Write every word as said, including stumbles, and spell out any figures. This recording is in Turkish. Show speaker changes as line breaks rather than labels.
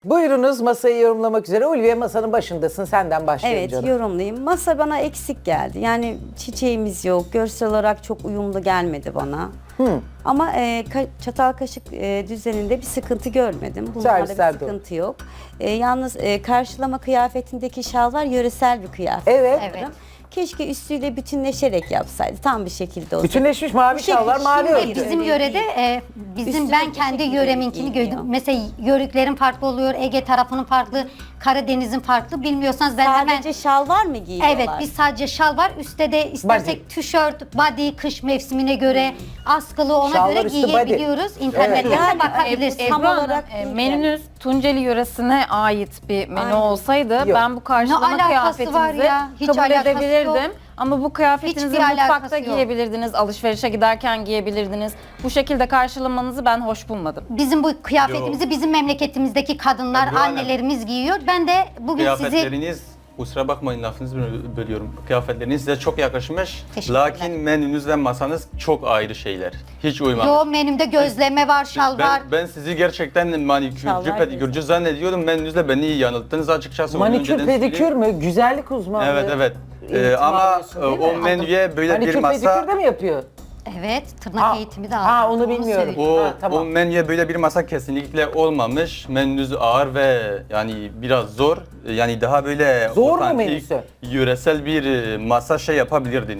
Buyurunuz, masayı yorumlamak üzere. Ulviye, masanın başındasın. Senden başlayalım
Evet,
canım.
yorumlayayım. Masa bana eksik geldi. Yani çiçeğimiz yok. Görsel olarak çok uyumlu gelmedi bana. Ama e, ka- çatal kaşık e, düzeninde bir sıkıntı görmedim. Bunlarda
Servisler
bir
de
sıkıntı yok. E, yalnız e, karşılama kıyafetindeki şal var, yöresel bir kıyafet.
Evet.
Evet.
Keşke üstüyle bütünleşerek yapsaydı. Tam bir şekilde olsa.
Bütünleşmiş mavi şal var, mavi
Şimdi
örtü.
bizim
Öyle
yörede
değil.
e, bizim
Üstüne
ben
bir
kendi
şekilde
yöreminkini
giyiniyor.
gördüm. Mesela yörüklerin farklı oluyor, Ege tarafının farklı, Karadeniz'in farklı. Bilmiyorsanız ben hemen
Sadece şal var mı giyiyorlar?
evet biz sadece şal var. Üstte de istersek tişört, body kış mevsimine göre askılı ona
Şalvar
göre
üstü body.
giyebiliyoruz. İnternetten
Evet. Yani,
bakabilirsiniz.
tam
Ebru
olarak
Hanım, e,
değil
menünüz Tunceli yöresine ait bir menü
Aynen.
olsaydı
Yok.
ben bu karşılama
Ne alakası var
kıyafetinizi
ya? Hiç
kabul
alakası
edebilirdim.
yok.
Ama bu kıyafetinizi
Hiçbir alakası
mutfakta
yok.
giyebilirdiniz, alışverişe giderken giyebilirdiniz. Bu şekilde karşılamanızı ben hoş bulmadım.
Bizim bu kıyafetimizi bizim memleketimizdeki kadınlar,
Ebru Hanım.
annelerimiz giyiyor. Ben de bugün sizi
Kıyafetleriniz, kusura bakmayın lafınızı böl- bölüyorum. Kıyafetleriniz size çok yakışmış.
Teşekkürler.
Lakin menünüz ve masanız çok ayrı şeyler. Hiç uymamış.
Yo menümde gözleme var, şal var.
Ben, ben sizi gerçekten manikürcü,
Şalvar
pedikürcü zannediyordum. Menünüzle beni iyi yanılttınız açıkçası. Onu
Manikür,
önceden
pedikür
söyleyeyim.
mü? Güzellik uzmanlığı.
Evet evet. Ee,
eğitimi
ama
alıyorsun,
e,
değil mi?
o menüye böyle
Manikür,
bir masa...
pedikür de mi yapıyor?
Evet, tırnak
Ha,
eğitimi de aldım.
ha, onu bilmiyorum.
söyleyeyim.
O,
Ha, tamam.
o menüye böyle bir masa kesinlikle olmamış. Menünüz ağır ve yani biraz zor. Yani daha böyle
Zor mu
otantik,
menüsü?
yöresel bir e, masa şey yapabilirdiniz.